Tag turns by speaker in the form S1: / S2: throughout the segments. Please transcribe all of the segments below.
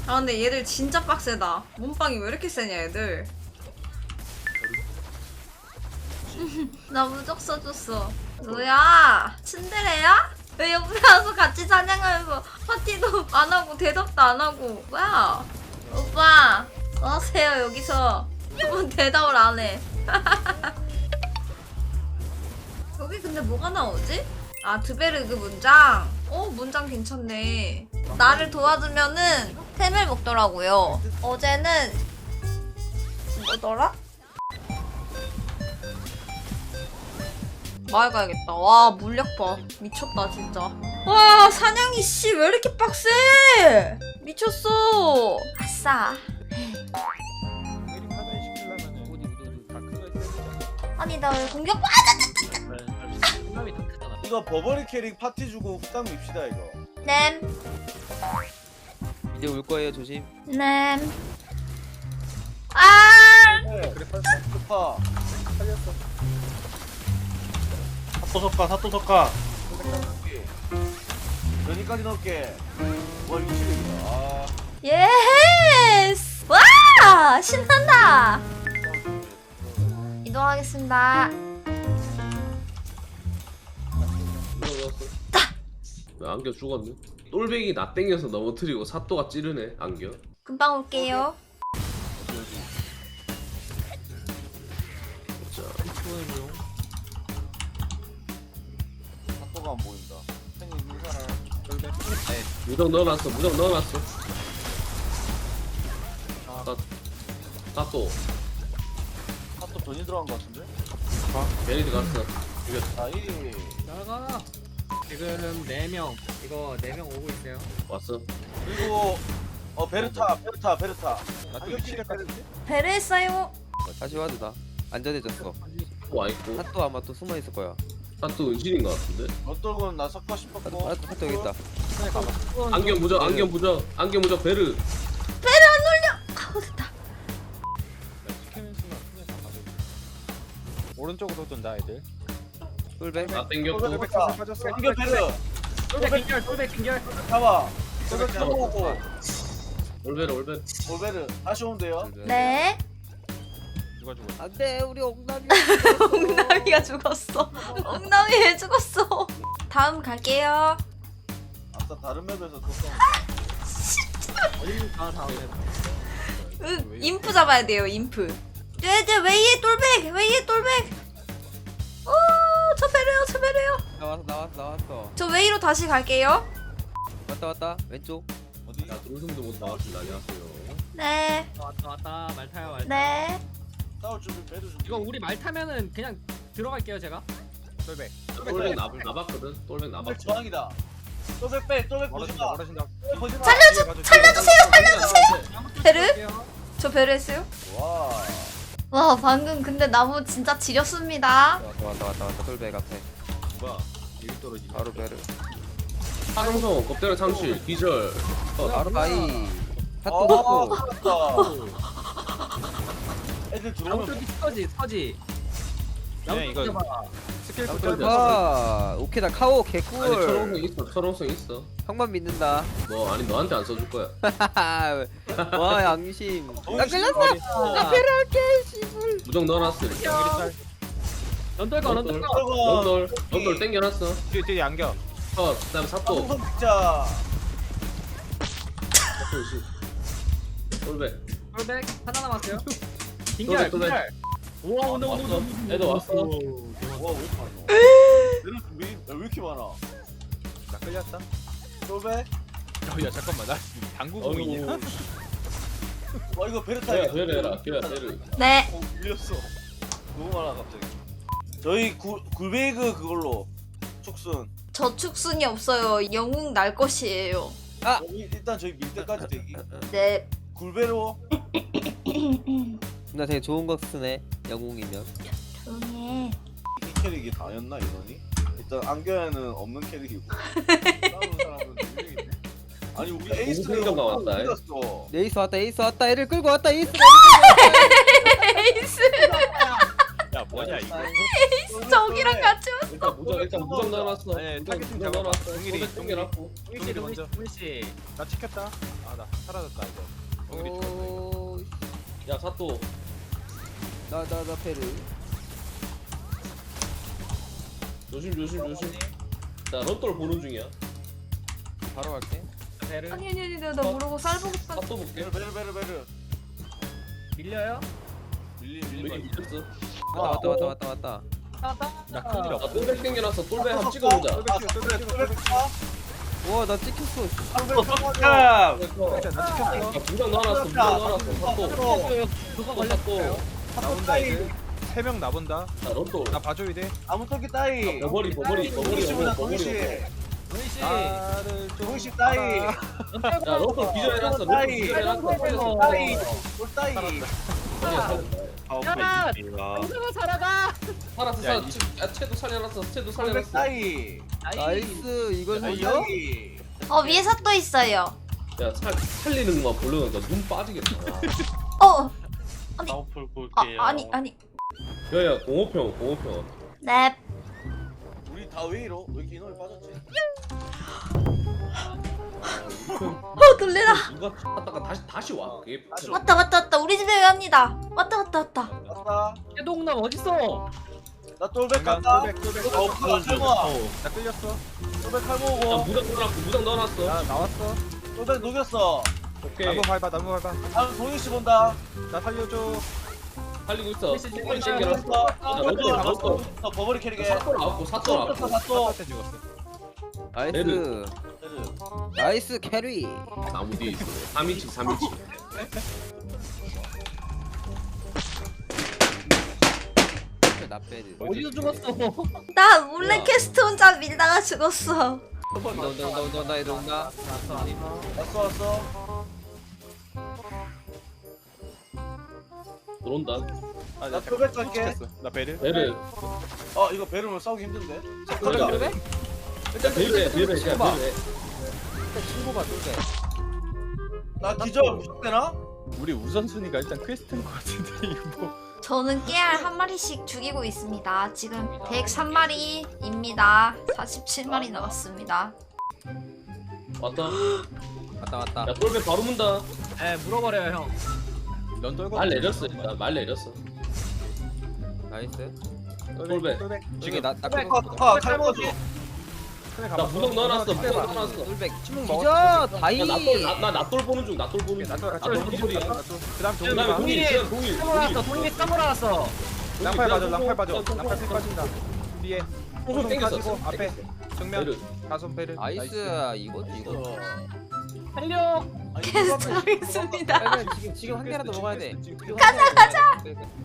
S1: 아 근데 얘들 진짜 빡세다. 몸빵이 왜 이렇게 세냐 얘들. 나 무적 써줬어. 뭐야? 츤데레야? 왜 옆에 와서 같이 사냥하면서 파티도 안 하고 대답도 안 하고. 뭐야? 오빠 어서세요. 여기서 뭐 대답을 안 해. 여기 근데 뭐가 나오지? 아 드베르그 문장? 문장 괜찮네. 나를 도와주면은 템을 먹더라고요. 어제는 뭐더라? 마을 가야겠다. 와 물약 봐. 미쳤다 진짜. 와 사냥이 씨 왜 이렇게 빡세? 미쳤어. 아싸. 아니 나 왜 공격?
S2: 이거 버버리 캐릭 파티 주고 후딱 밉시다 이거.
S1: 램.
S3: 이제 올 거예요. 조심.
S1: 램. 아.
S2: 네. 그래 파. 살렸어.
S4: 사또 석가.
S2: 여기까지 넣을게. 와 이거 실력이다. 아.
S1: 예스. 와 신난다. 이동하겠습니다.
S5: 왜 안겨 죽었네? 똘백이 나 땡겨서 넘어뜨리고 사또가 찌르네 안겨.
S1: 금방 올게요.
S5: 자,
S2: 사또가 안 보인다. 팬이 있는 사람.
S5: 무적 넣어놨어. 무적 넣어놨어. 사또
S2: 사또 전이 들어간 것 같은데?
S5: 베리드 갔어. 이겼다.
S2: 아 이.
S4: 나가. 지금 4명. 이거 4명 오고 있어요.
S5: 왔어.
S2: 그리고 베르타.
S4: 나또
S2: 베르타.
S1: 배를 했어요.
S3: 다시 와도 나. 안전해졌어.
S5: 또 와있고.
S3: 핫도 아마 또 숨어 있을 거야.
S5: 사또 은신인 것 같은데.
S2: 어떨건 나 섞고
S3: 핫도
S2: 싶었고.
S3: 핫도 여기 있다.
S5: 안겨 무적. 안겨 무적. 안겨 무적 베르.
S1: 아우 됐다.
S4: 오른쪽으로 돈다 애들.
S3: 꿀백.
S5: 나 땡겼고.
S2: 이거 베르.
S4: 똘백 빙결.
S2: 잡아. 저거 잡아오고.
S5: 올베르 올베르.
S2: 올베르 다시 오면 돼요.
S1: 네.
S4: 누가 죽었어?
S3: 안돼 우리 옥남이.
S1: 엉나미가 죽었어. 엉나미 왜 죽었어? 다음 갈게요.
S2: 아까 다른 맵에서 또
S4: 다음에.
S1: 인프 잡아야 돼요. 인프. 네, 웨이의 똘백. 웨이의 똘백. 저 배려요. 저 배려요.
S3: 나왔어.
S1: 저 웨이로 다시 갈게요.
S3: 왔다 왼쪽.
S2: 어디?
S5: 야 동생도 못 나왔습니다. 안녕하세요.
S1: 네.
S4: 왔다 말 타요 말.
S1: 네.
S2: 싸울 준비 베르 준비.
S4: 이거 우리 말 타면은 그냥 들어갈게요 제가. 똘백.
S5: 똘백 나봤거든. 똘백
S2: 똘백
S5: 나봤어.
S2: 저항이다. 똘백 빼. 똘백 보지마. 보지마.
S1: 살려주세요. 베르? 저 배려 했어요?
S2: 와.
S1: 와 방금 근데 나무 진짜 지렸습니다.
S3: 왔다 꿀백 앞에.
S5: 뭐야? 여기 떨어지네.
S3: 바로 베르.
S5: 사동성 겁대로 창실 기절.
S3: 바로 바이. 핫도
S2: 아,
S3: 먹고.
S2: 살았다. 애들 들어오면
S4: 나무토끼 서지.
S5: 네, 이거
S4: 스킬
S3: 아 오케이 나 카오
S5: 아니
S3: 개꿀.
S5: 철옹성 있어. 철옹성 있어.
S3: 형만 믿는다.
S5: 뭐 아니 너한테 안 써줄 거야.
S3: 와 양심. 나 끌렸어. 나 베르 할게 씨불.
S5: 무적 넣어놨어. 이렇게.
S4: 넌떨거
S5: 런돌 땡겨놨어.
S4: 뒤에 안겨.
S5: 그다음에 사또.
S2: 방송 진짜.
S5: 사또 씨. 똘백.
S4: 똘백 하나 남았어요.
S5: 똘백,
S4: 빙결
S5: 똘백.
S4: 빙결. 우와 온다.
S5: 애들 왔어.
S2: 와, 왜 이렇게 많아? 얘는 왜 이렇게 많아?
S4: 나 끌렸다.
S2: 똘백?
S4: 야 잠깐만 나 당구공이냐?
S2: 와, 이거 베르타야.
S5: 베르 해라. 베르.
S1: 네.
S2: 밀렸어. 너무 많아, 갑자기. 저희 굴베이그 그걸로 축순.
S1: 저축순이 없어요. 영웅 날 것이에요.
S2: 일단 저희 밀 때까지 대기.
S1: 네.
S2: 굴베로.
S3: 나 되게 좋은 거 쓰네. 영웅이면.
S1: 조용히 해.
S2: 이 캐릭이 다였나 이러니? 일단 안겨야는 없는 캐릭이고. 싸우는 사람은 2명이네. 아니 우리 에이스가
S5: 생각 나왔다,
S2: 어디갔어?
S3: 에이스 왔다 애를 끌고 왔다 에이스.
S1: 에이스.
S4: 야
S6: 뭐냐 이거?
S1: 저기랑 같이 왔어.
S5: 일단 무장 넣어놨어.
S6: 아니, 타겟팅
S5: 무장
S6: 잡아봐.
S5: 넣어놨어.
S6: 동일이,
S5: 똘백 땡겨놨고.
S6: 동일이 먼저.
S4: 씨.
S6: 나 찍혔다. 아 나 사라졌다 이거. 동일이 찍혔다.
S3: 오,
S5: 야 사또.
S3: 나 페르.
S5: 조심. 자 런돌 보는 중이야.
S3: 바로 갈게.
S4: 배를
S1: 아니 나 모르고 쌀 보고 싶었.
S5: 사또 볼게.
S2: 베르.
S4: 밀려요?
S5: 여기
S2: 밀린
S5: 밀렸어.
S3: 왔다.
S6: 나 큰일
S5: 자
S6: 없어.
S5: 똘백 땡겨놨어. 똘백 한번 찍어보자.
S3: 와, 나 찍혔어.
S2: 거.
S6: 나 찍혔어.
S5: 자 무장 넣어놨어. 사또.
S4: 그거
S5: 사또.
S6: 나온다 이제. 3명 나본다.
S5: 자 런돌.
S6: 나 봐줘야 돼.
S2: 아무 토끼 따이.
S5: 버버리.
S2: 동시.
S4: 동희씨
S6: 나를 좀.
S2: 동시 따이.
S5: 야 런돌 기절해놨어. 런돌 기절해놨어.
S2: 따이. 따이.
S4: 야! 동생아 살아가!
S5: 살았어.
S6: 야,
S5: 야 채도 살려놨어.
S2: 톨백
S5: 살려놨어.
S2: 따이.
S3: 나이스. 이걸 살려?
S2: 따이.
S1: 위에 삿도 있어요.
S5: 야 살리는 것만 보려니까 눈 빠지겠다.
S2: 아웃풀
S1: 아니.
S5: 야야 공호평.
S1: 넵.
S2: 우리 다 왜 이러? 왜 이렇게 인원이 빠졌지?
S1: 놀래라.
S5: 누가 갔다가 다시 와. 그게
S1: 왔다. 우리 집에 갑니다. 왔다.
S2: 왔다.
S4: 해동남 어딨어?
S2: 나 똘백 간다.
S6: 똘백.
S2: 탈모아.
S6: 나 끌렸어.
S2: 똘백
S5: 야
S2: 탈모고.
S5: 무장 넣어놨어.
S6: 나 나왔어.
S2: 똘백 녹였어.
S5: 오케이
S6: 나무 밟아.
S2: 다음 동희 씨 본다.
S6: 나 살려줘.
S5: 살리고 있어.
S4: 진짜
S5: 똘백
S4: 진짜
S5: 땡겨놨어.
S2: 나
S5: 런돌.
S2: 버버리 캐릭에.
S5: 사또 나왔고.
S2: 또
S6: 나한테 죽었어.
S3: 나이스. 나이스 캐리.
S5: 나무 뒤에 있어. 3인치.
S3: 나 페르.
S4: 어디서 죽었어?
S1: 나 몰래 캐스트 혼자 밀다가 죽었어.
S3: 온다.
S2: 왔어.
S5: 들어온다.
S2: 나 똘백 갈게.
S6: 나 베르.
S5: 베르.
S2: 이거 베르면 싸우기 힘든데.
S5: 베르. 베르.
S3: 친구가 똘백.
S2: 나 기절 무섭대나?
S6: 우리 우선순위가 일단 퀘스트인 것 같은데 이거 뭐.
S1: 저는 깨알 한 마리씩 죽이고 있습니다. 지금 103마리입니다. 47마리 남았습니다.
S5: 왔다.
S3: 왔다.
S5: 야 똘백 바로 문다.
S4: 에 물어버려요 형.
S6: 넌 떨고.
S5: 말 내렸어. 일단 말 내렸어.
S3: 나이스.
S5: 똘백.
S3: 지금 나
S2: 칼모지.
S5: 나 무장 넣어놨어.
S3: 똘백.
S6: 침묵
S3: 기저
S6: 먹었어.
S3: 다이.
S5: 나 낫돌 보는 중.
S6: 나또
S5: 기절이야.
S6: 그다음
S5: 그다음에
S6: 동일이.
S5: 동일.
S4: 동희 싸물어놨어.
S6: 랑팔 봐줘. 랑팔 피 빠진다. 뒤에.
S5: 호소 땡겼어.
S6: 가지고 앞에 정면
S5: 베르.
S6: 가손 베르.
S3: 나이스. 이거지.
S4: 살려.
S1: 캐스트하겠습니다.
S3: 빨리 지금 한 개라도 먹어야 돼.
S1: 가자.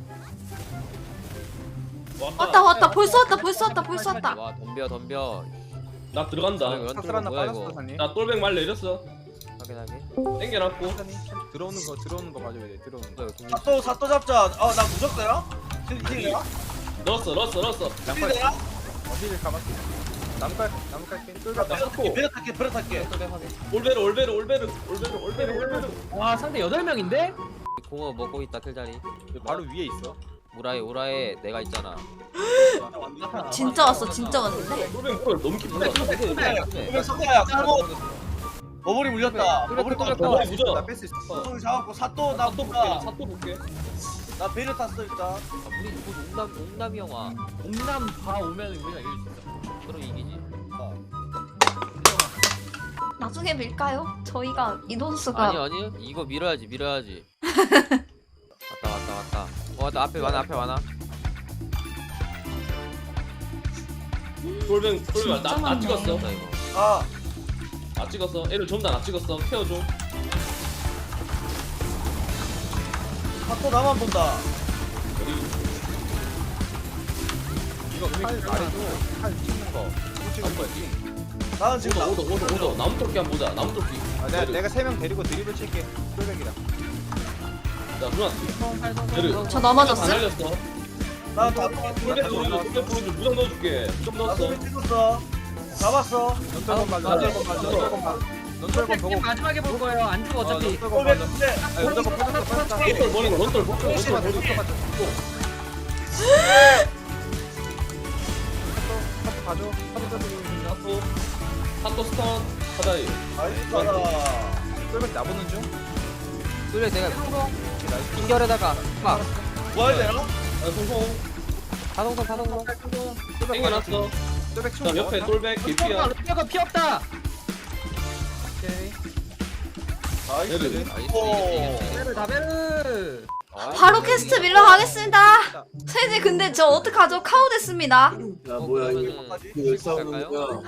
S5: 왔다.
S1: 벌써 왔다.
S3: 와 덤벼.
S5: 나 들어간다.
S6: 삭슬한 나
S3: 뭐야
S6: 빠졌어
S3: 이거?
S6: 사님.
S5: 나 똘백 말 내렸어.
S3: 확인하게.
S5: 땡겨놨고.
S6: 들어오는 거 봐줘야 돼. 들어오는 거.
S2: 사또 잡자. 나 무적대나? 힐이야?
S5: 넣었어.
S6: 랑팔.
S2: 힐이야?
S6: 어디를 감았어? 나무 깔게. 똘백.
S5: 나 사코.
S2: 베르 탈게.
S5: 올베르.
S4: 와 상대 8명인데?
S3: 공어 먹고 있다 틀자리.
S6: 바로 위에 있어.
S3: 우라에 내가 있잖아.
S1: 진짜 왔는데.
S5: 똘백 뭘 너무 깊다.
S2: 똘백 석야야. 칼모. 버버리 물렸다. 버버리
S5: 버버리 무적.
S6: 나 뺄 수 있어.
S2: 소송이 잡았고 사또 나
S5: 사또
S2: 본다.
S5: 볼게.
S2: 나 베르 탔어 일단.
S3: 우리 곧 옹남 영화.
S4: 옴남 다 오면 우리가 이길 수 있어.
S3: 그럼 이기지.
S1: 나중에 밀까요? 저희가 인원수가
S3: 아니 이거 밀어야지. 왔다. 나 앞에 많아.
S5: 똘백
S1: 진짜
S5: 나
S1: 많네.
S5: 찍었어.
S2: 아
S5: 나 찍었어. 애를 전부 다 나 찍었어. 케어줘.
S2: 사또 나만 본다.
S6: 이거 칼 말해줘. 칼 찍는 거. 찍은 거지.
S2: 나는 지금
S5: 오더. 나무 똘끼 한번 보자. 나무 똘끼.
S6: 내가 3명 데리고 드리블 칠게. 똘백이다.
S5: 자 누나. 베르.
S1: 저 넘어졌어?
S5: 날렸어.
S2: 나다
S5: 똘백 보여줘. 무장 넣어줄게. 좀
S2: 나
S5: 넣었어.
S2: 소리 찍었어. 잡았어.
S6: 넌 떨건 봐. 넌 떨건 보고.
S4: 마지막에 볼 거예요. 안 죽어 어차피.
S2: 똘백 근데
S6: 넌 떨건 빠졌어.
S5: 런돌 버리고.
S6: 혹시나 더 가죠.
S5: 핫도 스턴 하다이.
S2: 나이스 가라.
S6: 똘백 나보는 중.
S3: 똘백 내가 인결에다가 막
S2: 뭐 해야 되나?
S5: 아 송송
S3: 다동성
S5: 땡겨놨어.
S6: 똘백
S5: 그다음 옆에 똘백 개피야.
S4: 루피아가 피 없다.
S6: 오케이.
S2: 나이스.
S5: 얘를.
S4: 베르 다베르.
S1: 바로 퀘스트 밀러 가겠습니다. 세지 근데 저 어떡하죠? 카우 됐습니다.
S5: 야 뭐야 이거
S3: 그러면은
S5: 왜 싸우는 거야?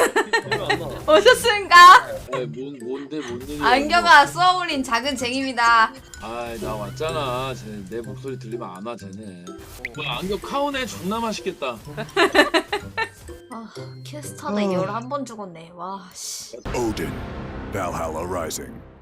S1: 오셨습니까?
S5: 뭔데 뭔 일이야?
S1: 안경아 쏘아올린 작은 쟁입니다.
S7: 아이 나 왔잖아. 쟤네 내 목소리 들리면 안 와 쟤네. 뭐야 안경 카운에 존나 맛있겠다.
S1: 아 퀘스트 하다 11번 죽었네. 와 씨.
S8: Odin, Valhalla Rising.